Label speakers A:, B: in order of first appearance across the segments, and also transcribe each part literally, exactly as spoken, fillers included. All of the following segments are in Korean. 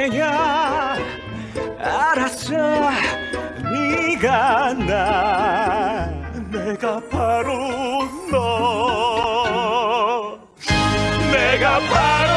A: 이제야 알았어 네가 나 내가 바로 너 내가 바로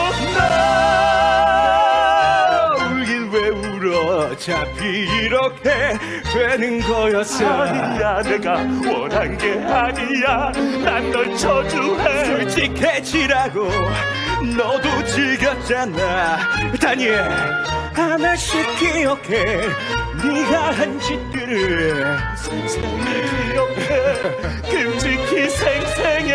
A: 너 울긴 왜 울어 어차피 이렇게 되는 거였어
B: 아니야 내가 원한 게 아니야 난 널 저주해
A: 솔직해지라고 너도 즐겼잖아 다니엘 하나씩 기억해 네가 한 짓들을
B: 생생히 기억해 끔찍히 생생해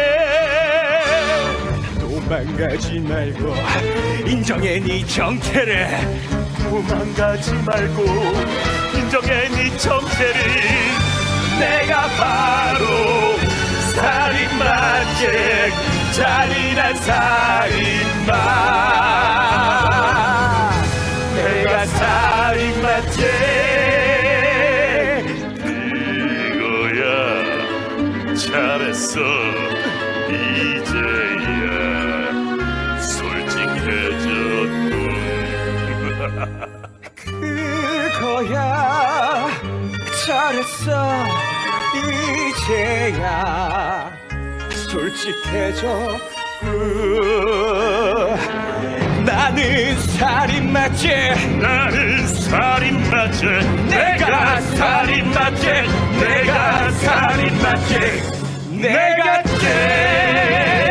A: 도망가지 말고 인정해 네 정체를
B: 도망가지 말고 인정해 네 정체를 내가 바로 살인마죄 잔인한 살인마 내가 살인마죄 이거야 잘했어 이제야 솔직해졌군
A: 그거야 잘했어 이제야 솔직해져 나는 살인마죄
B: 나는 살인마죄 내가 살인마죄 내가 살인마죄 내가 죄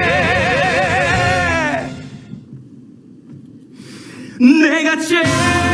A: 내가 죄